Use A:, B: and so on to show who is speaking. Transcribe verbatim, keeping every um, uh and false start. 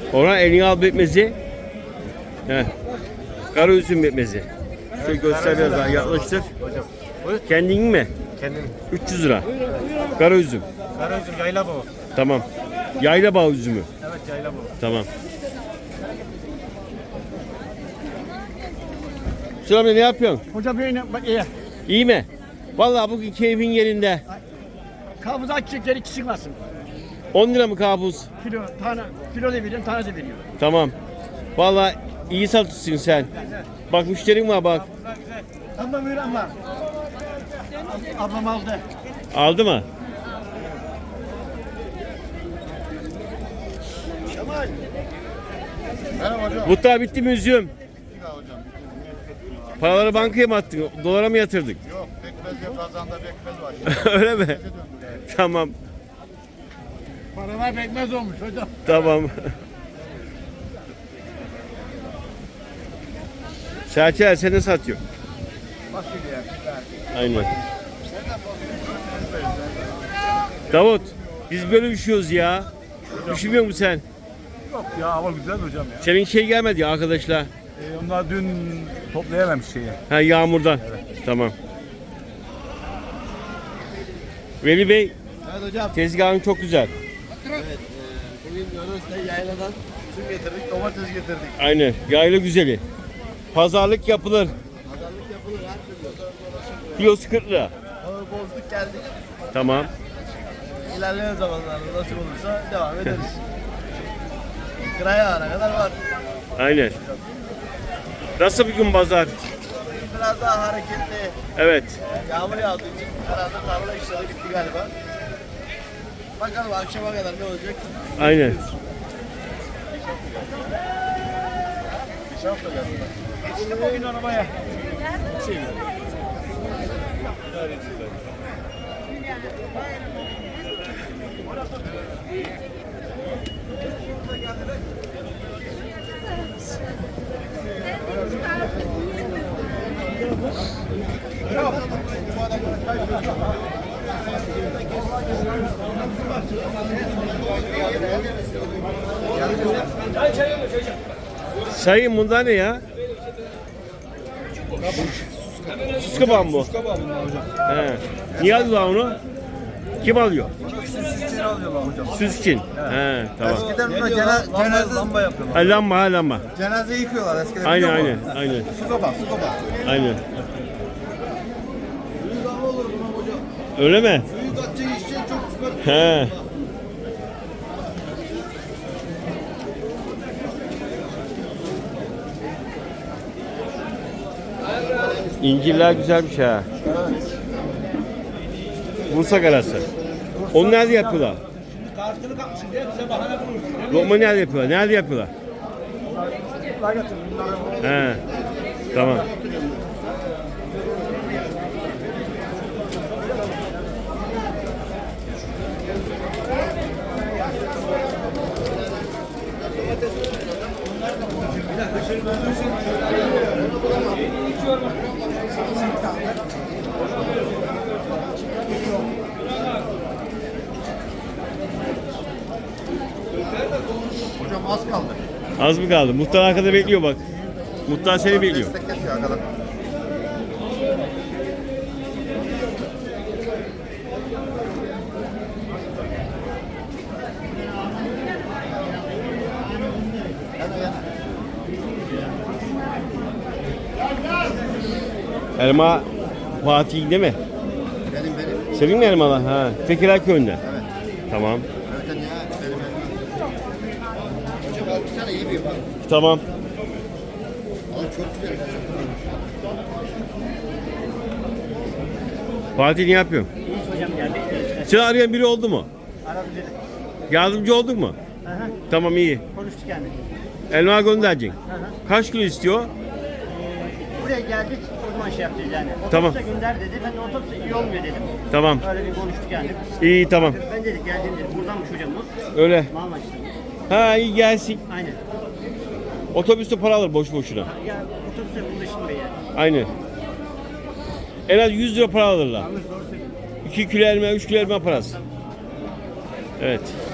A: Orhan elini al betmezi. Heh. Kara üzüm betmezi. Şöyle göster biraz daha yaklaştır.
B: Hocam. Buyur.
A: Kendin mi?
B: Kendim.
A: üç yüz lira. Kara üzüm.
B: Kara üzüm yayla bu.
A: Tamam. Yayla bağ üzümü.
B: Evet yayla bu.
A: Tamam. Hüsnü amca ne yapıyorsun?
C: Hoca böyle bak iyi.
A: İyi mi? Vallahi bugün keyfin yerinde.
C: Kabız açacakları ikisi çıkmasın.
A: on lira mı kabus?
C: Kilo, tane, kilo da veriyorum, tane de veriyorum.
A: Tamam. Vallahi iyi satışsın sen. Bak müşterin var bak.
C: Ablam buyur abla. Ablam aldı.
A: Aldı mı?
C: Kemal.
B: Merhaba hocam.
A: Muhtar bitti mi üzüm?
B: Hocam.
A: Paraları bankaya mı attın? Dolara mı yatırdık?
B: Yok bekmez yok kazanda bekmez var.
A: Öyle mi? Tamam.
C: Paralar bekmez olmuş hocam.
A: Tamam. Serçeler sen de satıyor.
B: Fasulye, biber.
A: Aynen. Davut, biz böyle üşüyoruz ya. Üşümüyor musun sen?
B: Yok ya hava güzel hocam ya.
A: Senin şey gelmedi ya arkadaşlar.
B: Ee, onlar dün toplayamamış şeyi.
A: Ha yağmurdan. Tamam. Veli Bey,
D: Evet hocam.
A: tezgahın çok güzel.
D: Evet. E, bugün Yunus'ta yayladan üzüm getirdik, domates getirdik.
A: Aynen. Yayla güzeli. Pazarlık yapılır.
D: Pazarlık yapılır her türlü.
A: Kilosu kırk lira.
D: Hava bozduk geldik.
A: Tamam.
D: İlerleyen zamanlarda nasıl olursa devam ederiz. Kıraya ana kadar var.
A: Aynen. Nasıl bir gün pazar?
D: Biraz daha hareketli.
A: Evet.
D: Yağmur yağdığı için herhalde tarla işleri bitti galiba. Bakalım akşama kadar ne olacak?
A: Aynen.
C: Geçtim o gün arabaya.
A: Sayın bunda ne ya? Sus kabağı mı bu?
B: Sus kabağı bunlar hocam.
A: He. Niye alıyorlar onu? Kim alıyor?
B: Süsçüleri alıyorlar hocam.
A: Süs için. He, tamam.
D: Eskiden
B: Ne
D: buna
B: diyorlar?
D: cena-
B: Lamba,
D: cenaze,
B: lamba yapıyorlar.
A: Ha, lamba ha lamba.
D: cenaze yıkıyorlar eskiden.
A: Aynen
D: biliyor
A: aynen.
D: musun?
A: Aynen.
B: Su kabağı, su kabağı.
A: Aynen. Öyle mi?
D: Suyu katacak işçi çok süper.
A: He. İncirler güzelmiş ha. Bursa karası. Onu nerede yapıyorlar?
C: Kartını kapmışsın diye bize bahane bulursun.
A: Lokma nerede yapıyorlar? Nerede yapıyorlar? He. Tamam.
D: Hocam az kaldı.
A: Az mı kaldı? Muhtar arkada bekliyor bak. Muhtar seni bekliyor.
D: Destek yapıyor arkadaşlar.
A: Elma Fatih değil mi?
D: Benim benim.
A: Senin mi elmalar? Ha. Tekirdağ köyünde.
D: Evet.
A: Tamam.
D: Zaten ya benim benim. Hocam altı tane iyi bir bak.
A: Tamam.
D: Ama çok güzel.
A: Fatih ne yapıyorsun?
C: Hocam geldi.
A: Seni arayan biri oldu mu?
C: Aradı dedi.
A: Yardımcı oldun mu?
C: Hı hı.
A: Tamam iyi.
C: Konuştuk yani.
A: Elma göndereceksin.
C: Hı hı.
A: Kaç kilo istiyor?
C: Buraya geldik, o zaman şey yapacağız yani. Otobüse
A: Tamam.
C: gönder dedi, ben de otobüse iyi olmuyor dedim.
A: Tamam.
C: Öyle bir konuştuk yani.
A: İyi tamam.
C: Ben dedik geldim dedim, buradanmış hocamız.
A: Öyle.
C: Mamaç'tan.
A: Ha iyi gelsin.
C: Aynen.
A: Otobüste para alır boş boşuna.
C: Ya otobüse burada şimdi yani.
A: Aynen. En az yüz lira para alırlar.
C: Yanlış doğru söylüyorsun.
A: iki kilo elma, üç kilo elma parası. Evet.